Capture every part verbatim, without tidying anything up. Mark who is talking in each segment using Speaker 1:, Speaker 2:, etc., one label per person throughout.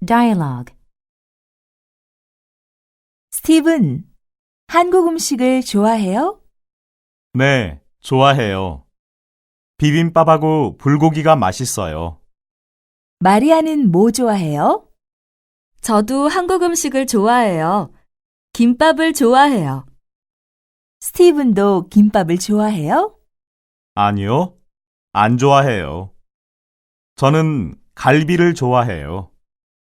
Speaker 1: Dialogue. 스티븐, 한국 음식을 좋아해요?
Speaker 2: 네, 좋아해요. 비빔밥하고 불고기가 맛있어요.
Speaker 1: 마리아는 뭐 좋아해요?
Speaker 3: 저도 한국 음식을 좋아해요. 김밥을 좋아해요.
Speaker 1: 스티븐도 김밥을 좋아해요?
Speaker 2: 아니요, 안 좋아해요. 저는 갈비를 좋아해요.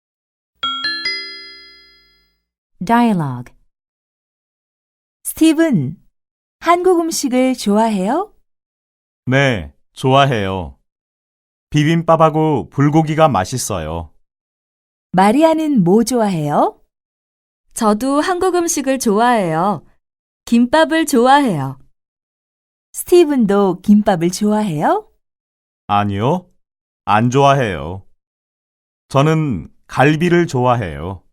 Speaker 1: Dialogue. 스티븐, 한국 음식을 좋아해요?
Speaker 2: 네, 좋아해요. 비빔밥하고 불고기가 맛있어요.
Speaker 1: 마리아는 뭐 좋아해요?
Speaker 3: 저도 한국 음식을 좋아해요. 김밥을 좋아해요.
Speaker 1: 스티븐도 김밥을 좋아해요?
Speaker 2: 아니요, 안 좋아해요. 저는 갈비를 좋아해요.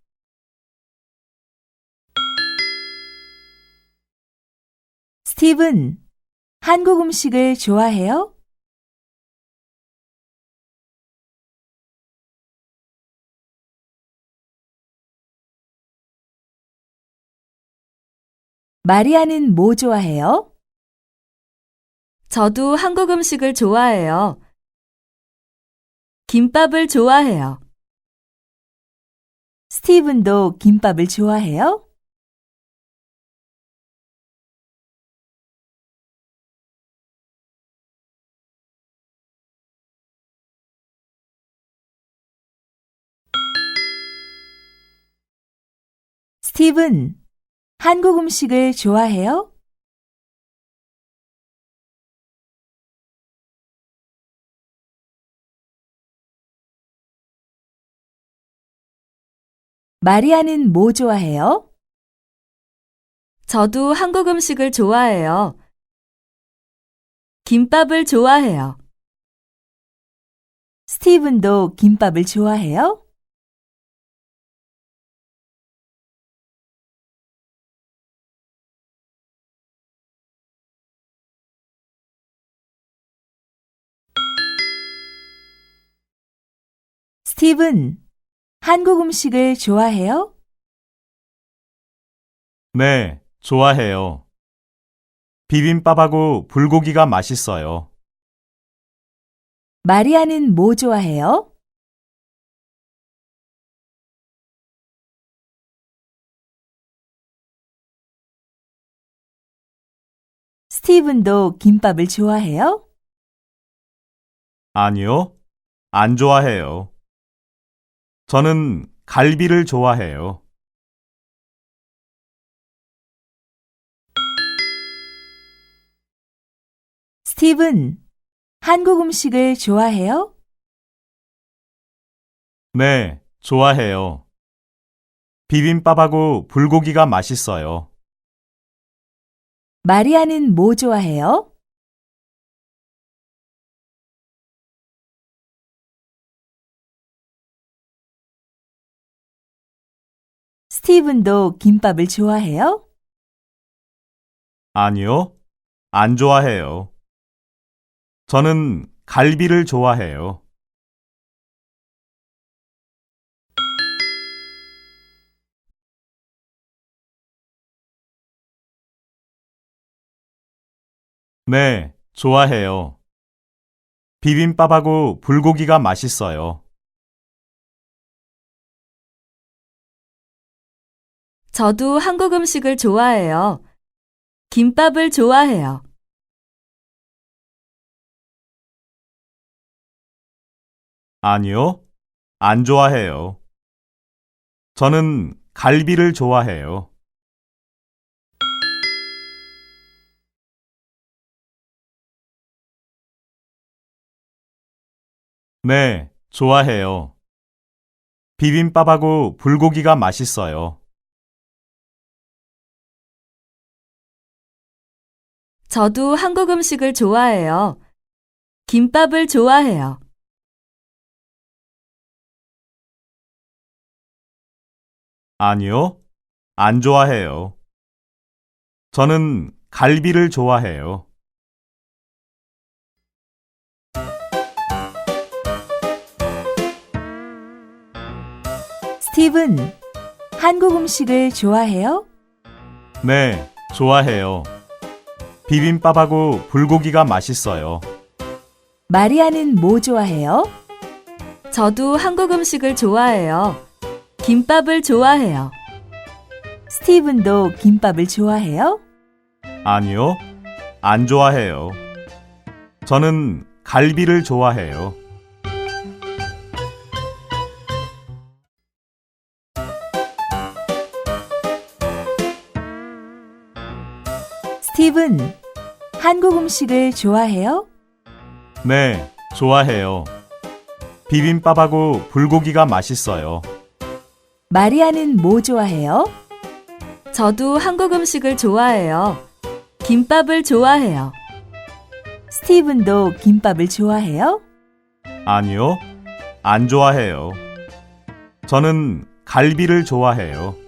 Speaker 1: 스티븐, 한국 음식을 좋아해요? 마리아는 뭐 좋아해요?
Speaker 3: 저도 한국 음식을 좋아해요. 김밥을 좋아해요.
Speaker 1: 스티븐도 김밥을 좋아해요? 스티븐, 한국 음식을 좋아해요? 마리아는 뭐 좋아해요?
Speaker 3: 저도 한국 음식을 좋아해요. 김밥을 좋아해요.
Speaker 1: 스티븐도 김밥을 좋아해요? 스티븐, 한국 음식을 좋아해요?
Speaker 2: 네, 좋아해요. 비빔밥하고 불고기가 맛있어요.
Speaker 1: 마리아는 뭐 좋아해요? 스티븐도 김밥을 좋아해요?
Speaker 2: 아니요, 안 좋아해요. 저는 갈비를 좋아해요.
Speaker 1: 스티븐, 한국 음식을 좋아해요?
Speaker 2: 네, 좋아해요. 비빔밥하고 불고기가 맛있어요.
Speaker 1: 마리아는 뭐 좋아해요? 스티븐도 김밥을 좋아해요?
Speaker 2: 아니요, 안 좋아해요. 저는 갈비를 좋아해요. 네, 좋아해요. 비빔밥하고 불고기가 맛있어요.
Speaker 3: 저도 한국 음식을 좋아해요. 김밥을 좋아해요.
Speaker 2: 아니요, 안 좋아해요. 저는 갈비를 좋아해요. 네, 좋아해요. 비빔밥하고 불고기가 맛있어요.
Speaker 3: 저도 한국 음식을 좋아해요. 김밥을 좋아해요.
Speaker 2: 아니요, 안 좋아해요. 저는 갈비를 좋아해요.
Speaker 1: 스티븐, 한국 음식을 좋아해요?
Speaker 2: 네, 좋아해요. 비빔밥하고 불고기가 맛있어요.
Speaker 1: 마리아는 뭐 좋아해요?
Speaker 3: 저도 한국 음식을 좋아해요. 김밥을 좋아해요.
Speaker 1: 스티븐도 김밥을 좋아해요?
Speaker 2: 아니요, 안 좋아해요. 저는 갈비를 좋아해요.
Speaker 1: 스티븐, 한국 음식을 좋아해요?
Speaker 2: 네, 좋아해요. 비빔밥하고 불고기가 맛있어요.
Speaker 1: 마리아는 뭐 좋아해요?
Speaker 3: 저도 한국 음식을 좋아해요. 김밥을 좋아해요.
Speaker 1: 스티븐도 김밥을 좋아해요?
Speaker 2: 아니요, 안 좋아해요. 저는 갈비를 좋아해요.